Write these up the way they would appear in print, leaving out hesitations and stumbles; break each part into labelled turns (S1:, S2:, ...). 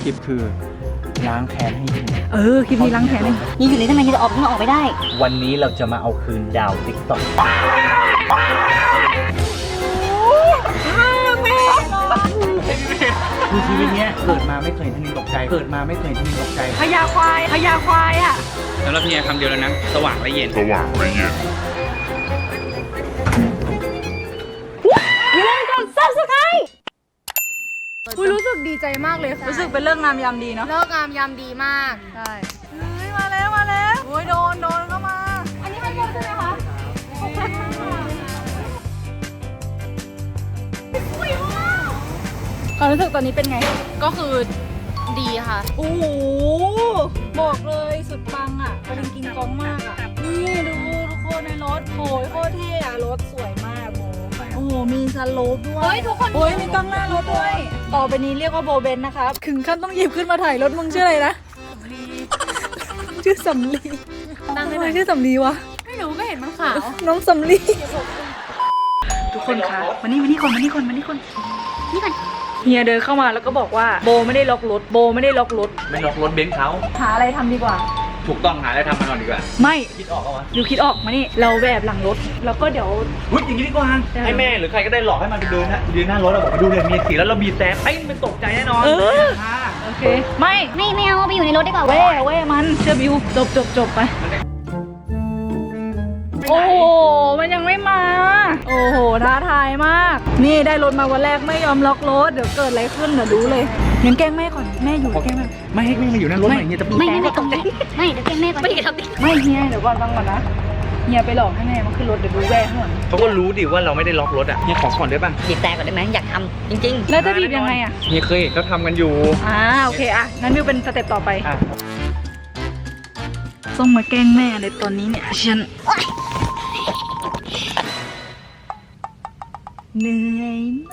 S1: ลิปคือล้างแค้นให้เฮีย
S2: คลิปนี้ล้างแค้นยังอยู่ในทำไมจะออกไม่ได้
S1: วันนี้เราจะมาเอาคืนดาวติ๊กต็อกคือชีวิตเนี้ยเกิดมาไม่เคยทนินตกใจพญาควายอ่ะสำหรับเฮียคำเดียวแล้วนะสว่างและเย็น
S3: รู้สึกดีใจมากเลยรู้สึกเป็นเรื่องงามยามดีเนาะเรื่องงามยามดีมากใช่มาแล้วโอ้ยโดนเข้ามาอันนี้มันเยอะใช่ไหมคะความรู้สึกตอนนี้เป็นไงก็คือดีค่ะโอ้โหบอกเลยสุดปังอ่ะกำลังกินกองมากอ่ะนี่ดูทุกคนในรถโอ้ยโคตรเท่อะรถสวยมากโอ้โหมีสโลปด้วยเฮ้ยทุกคนโอ้ยมีกล้องหน้ารถด้วยต่อไปนี้เรียกว่าโบเบนนะคะถึงขั้นต้องหยิบขึ้นมาถ่ายรถมึงชื่ออะไรนะชื่อสำลีทำไมชื่อสำลีวะไม่รู้ก็เห็นมันขาวน้องสำลีทุกคนคะมานี่ก่อนเฮียเดินเข้ามาแล้วก็บอกว่าโบไม่ได้ล็อกรถไม่ล็อกรถ
S1: เบนซ์เขา
S3: หาอะไรทำดีกว่า
S1: ถูกต้องหาอะไรทำมาก่อนดีกว่า
S3: ไม่
S1: คิดออกแล้ววะ
S3: อยู่คิดออกมานี่เราแบบหลังรถแล้วก็เดี๋ยว
S1: อย่างนี้ดีกว่าให้แม่หรือใครก็ได้หลอกให้มันไปเดินหน้ารถเราบอกไปดูเลยมีสีแล้วเราบีบแต่มันตกใจแน่นอน
S3: โอเคไม่
S2: เอาไปอยู่ในรถดีกว่า
S3: เว้ยมันเชื่อบิวจบไปโอ้โหมันยังไม่มาโอ้โหท้าทายมากนี่ได้รถมาวันแรกไม่ยอมล็อกรถเดี๋ยวเกิดอะไรขึ้นเดี๋ยวรู้เลยยังแกล้งแม่ก่อนแม่อยู่แกล้งแม่
S1: ไม่ให้แม่มาอยู่หน้ารถหน่อยเฮียจะ
S2: ไม่ตกใจไม่เดี๋ยวแกล้งแม่ก่อน
S3: ไม่เฮียเดี๋ยวก่อนฟังก่อนนะเฮียไปหลอกให้แม่มาขึ้นรถเดี๋ยวดูแว่ข้างหลัง
S1: เขาก็รู้ดิว่าเราไม่ได้ล็อกรถอ่ะเฮียขอก่อนได้ป่ะ
S2: บีบแต่ก่อนได้ไหมอยากทำจริงๆ
S3: แล้วจะบีบยังไงอ่ะ
S1: เฮียเคยเขาทำกันอยู่
S3: โอเคงั้นบิวเป็นสเต็ปต่อไปต้องมาแกล้งแม่เลยตอนนี้เนี่ยฉันเหนื่อยไหม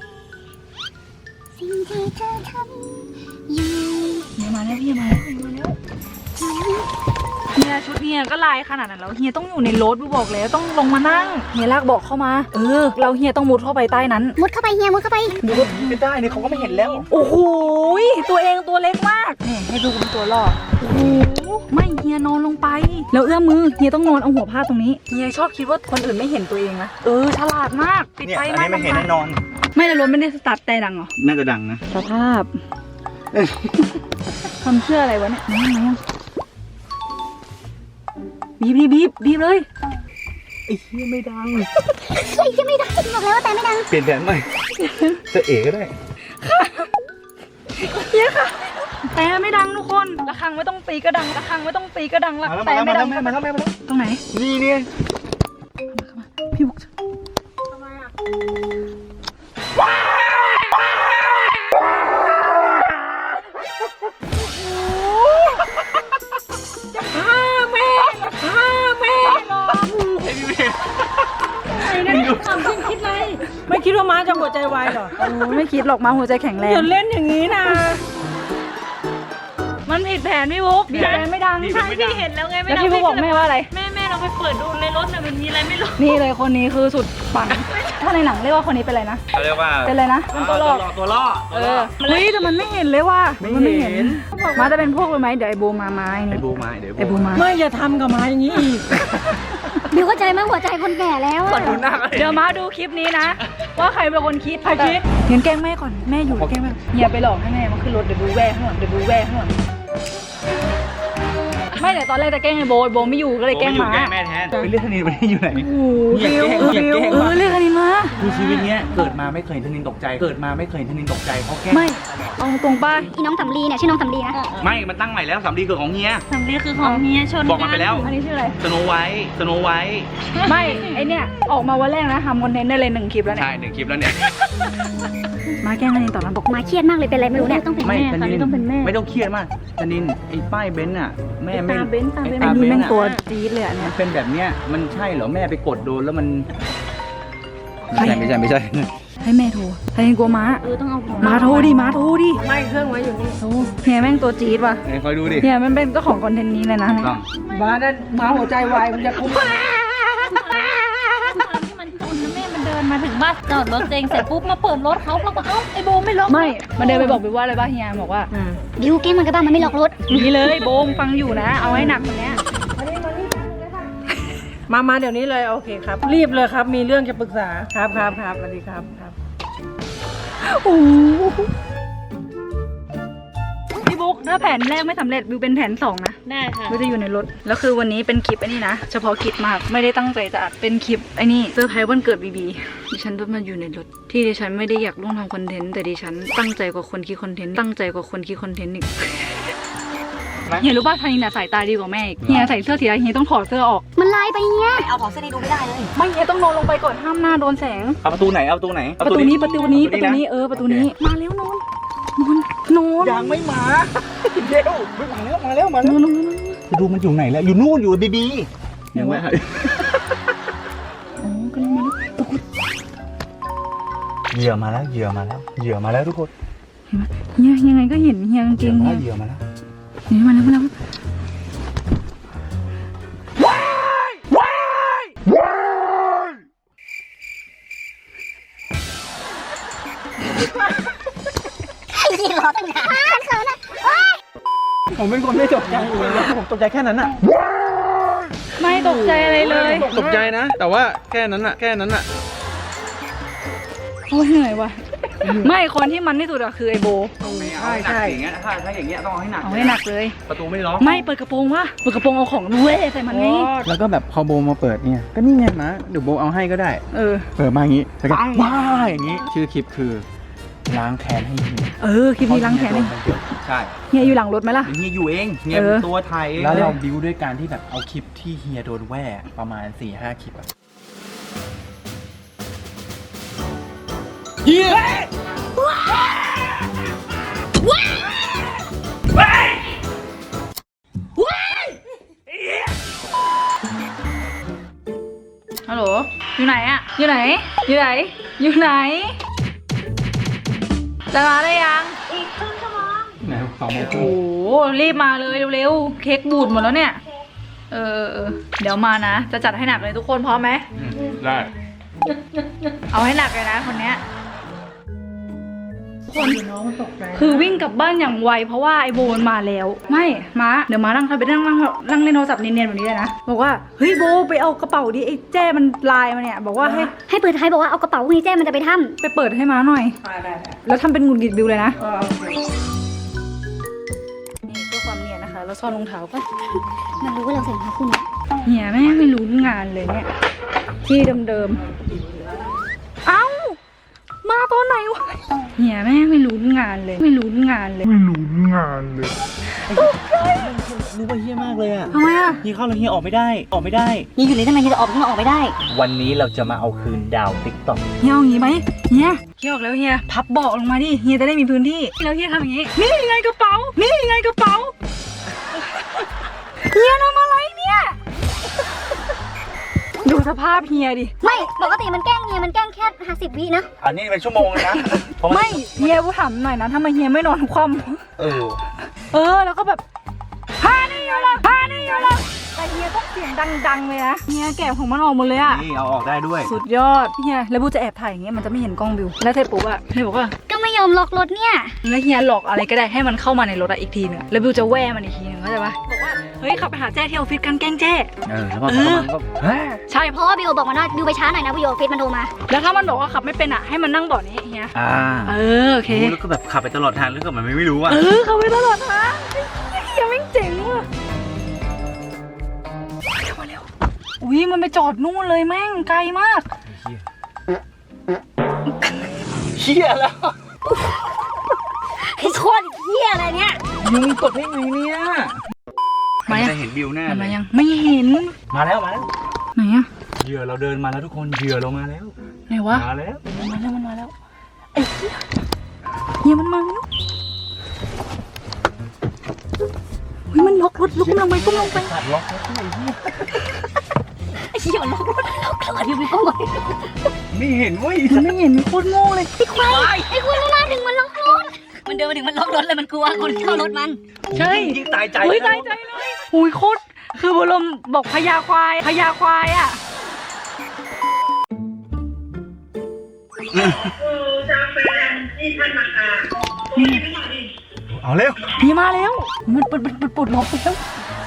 S2: สิ่งที่เธอทำอยู่
S3: เฮียมาแล้วเฮียชุดเฮียก็ลายขนาดนั้นแล้วเฮียต้องอยู่ในรถบิวบอกแล้วต้องลงมานั่งเฮียลากเบาะเข้ามาเราเฮียต้องมุดเข้าไปใต้นั้น
S2: มุดเข้าไปเฮียมุดเข้าไป
S1: ดูรถไม่ได้นี่เขาก็ไม่เห็นแล้ว
S3: โอ้โหตัวเองตัวเล็กมากนี่ให้ดูเป็นตัวล่อโอ้โหไม่เฮียนอนลงไปแล้วเอื้อมมือเฮียต้องนอนเอาหัวพาดตรงนี้เฮียชอบคิดว่าคนอื่นไม่เห็นตัวเองนะฉลาดมากปิดไฟมาก
S1: ไม่เห็นแน่นอน
S3: ไม่แล้วรถไม่ได้สตาร์ทแต่ดังเหรอ
S1: น่าจะดังนะ
S3: สภาพทำเชื่ออะไรวะเนี่ยบีบเลย
S1: ไอ้เฮียไม่ดัง
S2: บอกแล้วว่าแต่ไม่ดัง
S1: เปลี่ยนแผนใหม่จะเอ๋ก็ได้
S3: เฮียค่ะแต่ไม่ดังทุกคนระฆังไม่ต้องตีก็ดังละแต่ไม่ดัง
S1: มาแล้ว
S3: ตรงไหน
S1: นี่เนี่ย
S3: พี่บุ๊กทำไมอ่ะ
S4: ไม่คิดว่าม้าจะหัวใจวายหรอ
S3: ไม่คิดหรอกม้าหัวใจแข็งแรง
S4: อย่าเล่นอย่างนี้นะ
S3: มันผิดแผนพี่บุ๊กบีบแต่ไม่ดัง
S4: ใช่พี่เห็นแล้วไงไม่
S3: ดังแล้วพี่บุ๊กบอกแม่ว่าอะไร
S4: แม่เราไปเปิดดูในรถน่ะมันมีอะไรไม่รู้
S3: นี่เลยคนนี้คือสุดปังถ้าในหนังเรียกว่าคนนี้เป็นอะไรนะ
S1: เขาเรียกว่า
S3: เป็นอะไรนะเป็นตัว
S1: ล่อ
S3: เฮ้ยแต่มันไม่เห็นเลยว่ะมันไม่เห็นม้าจะเป็นพวกเลยไหมเดี๋ยวไอ้โบมาไม้
S1: ไอ้โบมา
S4: ไม่อย่าทำกับม้าอย่างนี้อีก
S2: บิวเข้าใจมั้ยหัวใจคนแก่แล้ว
S3: เดี๋ยวมาดูคลิปนี้นะว่าใครเป็นคนคิดงั้นแกล้งแม่ก่อนแม่อยู่แกล้งแม่เฮียไปหลอกให้แม่มาขึ้นรถเดี๋ยวดูแว่ข้างหลังไม่แต่ตอนแรกจะแกล้งไอ้โบไม่อยู่ก็เลยแกล้งมา
S1: แม่แทนไปเรียกธนินวันนี้อยู่ไหน
S3: เรียกธนินมา
S1: คือชีวิตเนี้ยเกิดมาไม่เคยธนินตกใจเขาแกล้ง
S3: ไม่เอาตรงป้า
S2: อีน้องสำลีเนี่ยชื่อน้องสำลีนะ
S1: ไม่มันตั้งใหม่แล้วสำลีคือของเฮีย
S3: ชน
S1: บอกมันไปแล้ว
S3: อันนี้ชื่ออะไร
S1: สโนไวท์
S3: ไม่ไอเนี่ยออกมาวันแรกนะทำคอนเทนต์ได้เลย1 คลิปแล้วเนี่ย
S1: ใช่1 คลิปแล้วเนี่ย
S3: มาแกล้งธนินต่อมาบอก
S2: มาเครียดมากเลยเป็นอะไรไม่รู้เนี่ย
S3: ต้องเป็นแม่ตอนนี้ต้องเป็นแม่
S1: ไม่ต้องเครียดมากธนินไอ้ป้ายเบนซ์อ่ะแม่ไม่
S3: ตาเบนซ์แม่งตัวจี๊ดเลยอ่ะเนี่ย
S1: เป็นแบบเนี้ยมันใช่เหรอแม่ไปกดโดนแล้วมันไม่ใช่
S3: ให้แม่โทรธนินกลัวม้า
S2: ต้องเอา
S3: ม้าโทรดิ
S4: ไม่เครื่องไว้อยู่นี่
S3: เฮียแม่งตัวจี๊ดว่ะ
S1: คอยดูดิ
S3: เฮียมันเป็นเจ้าของคอนเทนต์นี้เลยนะ
S4: ม้าหัวใจวายมันจะคุ้ม
S2: ที่มันจนนะแม่มันเดิน
S3: มาถึงบ้านจอดรถเองเสร็จปุ๊บมาเปิดรถเขาแล้วก็เอ้าไอโบไม่ล็อก
S4: ไม่มันเดินไปบอกบิวว่าอะไรบ้างเฮียบอกว่า
S2: บิวเก้งมันกระบ้ามันไม่ล็อกรถ
S3: นี่เลยโบมฟังอยู่นะ เอาให้หนักกว่านี้
S4: มาเดี๋ยวนี้เลยโอเคครับ รีบเลยครับ มีเรื่องจะปรึกษาครับสวัสดีครับ
S3: พี่บุ๊กถ้าแผนแรกไม่สำเร็จบิวเป็นแผน2นะได้ค่ะบิวจะอยู่ในรถแล้วคือวันนี้เป็นคลิปไอ้นี่นะเฉพาะกิจมากไม่ได้ตั้งใจจะอัดเป็นคลิปไอ้นี่เซอร์ไพรส์วันเกิดบีบีดิฉันต้องมาอยู่ในรถที่ดิฉันไม่ได้อยากร่วมทำคอนเทนต์แต่ดิฉันตั้งใจกว่าคนคิดคอนเทนต์อีกเฮียรู้ป่ะทันนี้น่ะสายตาดีกว่าแม่อีกเฮียใส่เสื้อสีอะไรเฮียต้องถอดเสื้อออก
S2: มันลายไปเนี่ย
S5: เอาถอดเสื้อนี่ดูไม่ได้เลย
S3: ไม่เฮียต้องนอนลงไปก่อนห้ามหน้าโดนแสง
S1: เอาประตูไหนประตูนี้
S3: ประตูนี้ประตูนี้มาเร็วนอน
S1: ยังไม่มาเร็วมาแล้วดูมันอยู่ไหนแล้วอยู่นู่นอยู่บีบียังไม่เหยื่อมาแล้วทุกคน
S3: เฮียยังไงก็เห็นเฮียจริงๆเฮีย
S1: เหยื่อมาแล้ว
S3: นี่มาแล้ว
S2: ยิงล้อตั้งนานเขินอ่ะ
S1: ผมเป็นคนไม่ตกใจอยู่เลยผมตกใจแค่นั้นอ่ะ
S3: ไม่ตกใจอะไรเลย
S1: ตกใจนะ แต่ว่าแค่นั้นอ่ะ
S3: โอ้ยเหนื่อยว่ะไม่คนที่มันที่สุดอะคือไอโบใช่
S1: อย่างเงี้ยถ้าอย่างเงี้ยต้องเอาให้หนัก
S3: เอาให้หนักเลย
S1: ประตูไม่ล็อก
S3: ไม่เปิดกระโปรงวะเปิดกระโปรงเอาของเว้ยใส่มันไง
S1: แล้วก็แบบพอโบมาเปิดเนี่ยก็นี่ไงนะเดี๋ยวโบเอาให้ก็ได้เปิดมาอย่างงี้แล้วก็ว้าอย่างงี้ชื่อคลิปคือล้างแค้นให้เฮีย
S3: คลิปนี้ล้างแค้นเอง
S1: ใช่
S3: เฮียอยู่หลังรถไหมล่ะ
S1: เฮียอยู่เองเฮียตัวไทยแล้วเราบิวด้วยการที่แบบเอาคลิปที่เฮียโดนแว่ประมาณ 4-5 คลิปอะเฮีย
S3: ฮัลโหลอยู่ไหนอะอยู่ไหนจะมาได้ยังอีกครึ่งชั่วโมง
S1: ไหน2 โมง
S3: โอ้โหรีบมาเลยเร็วๆเค้กบูดหมดแล้วเนี่ยเดี๋ยวมานะจะจัดให้หนักเลยทุกคนพร้อมไหม
S1: ได้
S3: เอาให้หนักเลยนะคนเนี้ยคือวิ่งกลับบ้านอย่างไวเพราะว่าไอโบนมาแล้วไม่มาเดี๋ยวมานั่งไปนั่งเล่นโทรศัพท์เนียนๆแบบนี้เลยนะบอกว่าเฮ้ยโบไปเอากระเป๋าดิไอ้แจ้มันไลน์มาเนี่ยบอกว่าให้
S2: เปิดท้ายบอกว่าเอากระเป๋าให้แจ้มันจะไปถ้ำ
S3: ไปเปิดให้มาหน่อยแล้วทำเป็นหงุดหงิดบิวเลยนะนี่เพื่อความเนียนนะคะแล้วซ่อนรองเท้าก็
S2: มันรู้ว่าเราใส่รองเท้าคู่นี้
S3: เฮียแม่ไม่รู้งานเลยเนี่ยที่เดิมๆเอ้ามาตอนไหนวะเฮียแม่ไม่รู้งานเลย
S1: รู้ว่าเฮียมากเลยอ่ะ
S3: ทำไมอ่ะ
S1: เฮียเข้าแล้วเฮียออกไม่ได้
S2: นี่อยู่เลยทำไมจะออกไม่ได้
S1: วันนี้เราจะมาเอาคืนดาวติ๊กต็อก
S3: เฮียเอาอย่างงี้ไหมเฮียออกแล้วเฮียพับเบาะลงมาดิเฮียจะได้มีพื้นที่แล้วเฮียทำอย่างงี้นี่ไงกระเป๋าเฮียทำอะไรเนี่ยดูสภาพเฮียดิ
S2: ไม่ปกติมันแกล้งเฮียมันแกล้งแค่50 วินะ
S1: อันนี้เป็นชั่วโมงนะ
S3: ไม่เฮียกูถามหน่อยนะทำไมเฮียไม่นอนคว่ำแล้วก็แบบพานี่อยู่ละแต่เฮียต้องเสียงดังๆเลยนะเฮียแกะของมันออกหมดเลยอะ
S1: นี่เอาออกได้ด้วย
S3: สุดยอดเฮียแล้วบูจะแอบถ่ายอย่างเงี้ยมันจะไม่เห็นกล้องบิวแล้วเทปุ๊บอะเฮียบอกว่า
S2: ก็ไม่ยอมล็อกรถเนี่ย
S3: แล้วเฮียหลอกอะไรก็ได้ให้มันเข้ามาในรถอะอีกทีนึงแล้วบิวจะแว่มันอีกทีนึงเข้าใจปะบอกว่าเฮ้ยขับไปหาแจ้ที่ออฟฟิศกันแกล้งแจ้
S1: แล้วมันก็
S3: ใช่
S2: เพราะว่าบิวบอกมันว่าบิวไปช้าหน่อยนะบิวเฟซมันโทรมา
S3: แล้วถ้ามันบอกว่าขับไม่เป็นอะให้มันนั่งเบาะนี้เฮียโอเค
S1: แล้วก็แบบขับไปตลอดทางแล้วก็มันไม่รู้อ่ะ
S3: ขับไปตลอดทางเฮียไม่เจ๋งว่ะมาเร็วอุ้ยมันไปจอดนู่นเลยแม่งไกลมาก
S1: เฮียแล้ว
S2: ไอ้โคตรเฮียอะไรเนี่ย
S1: มึงกดให้ไงเนี่ยมันจะเห็นบิวแน่
S3: มันยังไม่เห็น
S1: มาแล้วไหน
S3: อะ
S1: เหยื่อเราเดินมาแล้วทุกคนเหยื่อเรามาแล้ว
S3: ไหนวะ
S1: มาแล้ว
S3: ไอ้เฮียมันมาแล้วมันล็อกรถลุกลงไป
S1: ขัดล็อกรถไอ้เหี้ย
S2: ไอ้เฮียมันล็อกรถบิวไปก้มก่อน
S1: ไม่เห็นเว้ย
S3: มันไม่เห็นมันโคตรโง่เลย
S2: ไอ้ควายไม่มาถึงมันล็อกรถมันเดินมาถึงมันล็อกรถเลยมันกลัวคนเข้ารถมัน
S3: ใช่
S1: ยิ่งตายใจ
S3: เลยอุ้ยโคตรคือบรมบอกพญาควายอะ
S1: เอาเร็ว
S2: พี่มาแล้วมันปลดล็อกไปแล้ว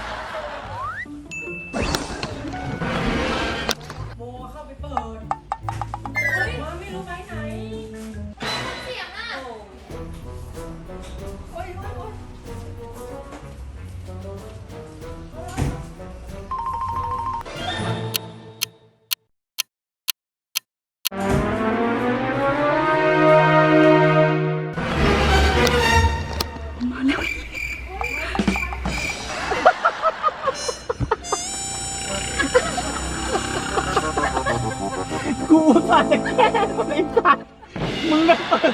S1: กูใส่แค่ไอ้สัตว์มึงก็เปิด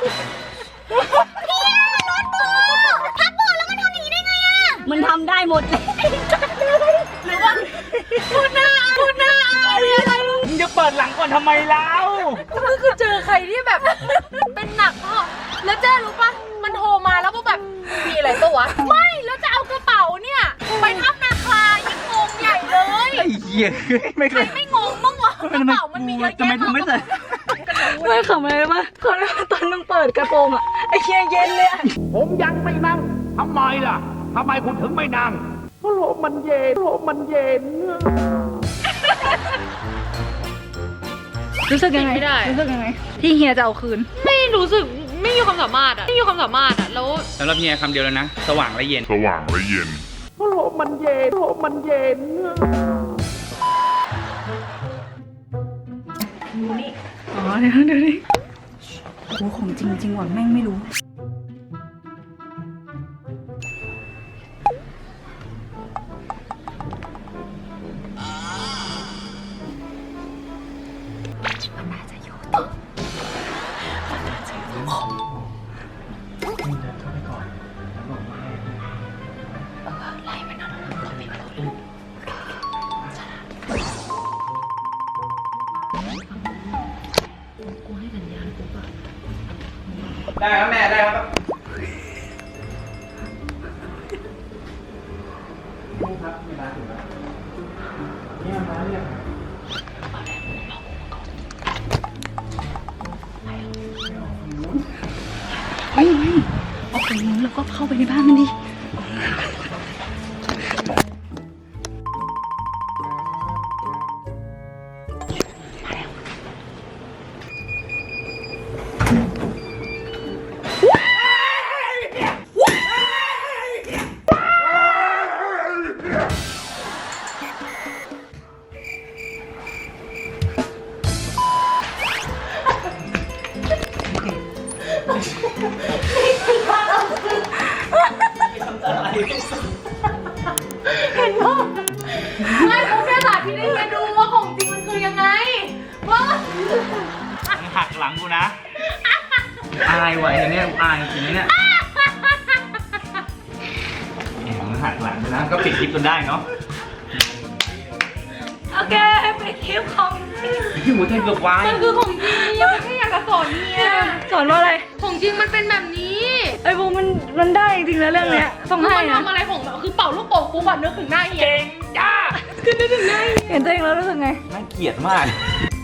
S2: มันทำได้หมดเลยหรือว่าพูดหน้าอะไร
S1: มึงจะเปิดหลังก่อนทำไมเล่า
S3: ก็คือเจอใครที่แบบ เป็นหนักพ่อแล้วเจ๊รู้ปะมันโทรมาแล้วก็แบบมีอะไรตัววะไม่แล้วจะเอากระเป๋าเนี่ยไปทับนาคายังงงใหญ่เลย
S1: ไอ้เหี้ยไม่เค
S3: ใคร
S1: ย
S3: ไม่งงบ้างวะกระเป๋ามันมีเยอะ
S1: ทำไม
S3: แยะ
S1: ถึงไม่ใส่
S2: ไม่ขำอะไรปะเขาตอนมึงเปิดกระโปรงอะไอ้เคียเย็นเลยอะ
S5: ผมยังไม่นั่ง ทำไมล่ะ ทำไมคุณถึงไม่นั่งเพราะลมมันเย็น
S3: รู้สึกยังไงได้รู้สึกยังไงที่เฮียจะเอาคืนไม่รู้สึกไม่มีความสามารถอะไม่มีความสามารถอะแล้ว
S1: สำหรับเฮียคำเดียวแล้วนะ สว่างและเย็น
S5: เพราะลมมันเย็น
S3: อ๋อเดี๋ยวดิโอ้ของจริงว่ะแม่งไม่รู้
S1: ได้ครับแม่ได้ครับนี่ครับเวลาถึงแล้วนี่มาเรียก
S2: เอาไปนู้นแล้วก็เข้าไปในบ้านมันดิ
S3: ไม่ผมแค่สาธิตให้เฮียดูว่าของจริงมันคือยังไงว่า
S1: มึงหักหลังกูนะ อายว่ะไอ้เนี่ยอายจริงๆเนี่ยมึงหักหลังกูนะ ก็ปิดคลิปจนได้เนาะ
S2: โอเคไปคลิปของจริง
S1: พี่หมูเทนเกือบวาย
S3: มันคือของจริงยังไม่แค่อยากจะสอนเฮีย
S2: สอนว่าอะไร
S3: ของจริงมันเป็นแบบนี้
S2: ไอ้บูมันได้จริงนะเรื่องเนี้ยต้อง
S3: คือ
S2: ให้
S3: มัน
S2: นะ
S3: ทำอะไรของแบบคือเป่าลูกโป่งปุ๊บอะนึกถึงหน้าเฮีย
S1: เก่งจ้า
S2: เห็นตัวเองแล้วรู้สึกไง
S1: น่าเกลียดมาก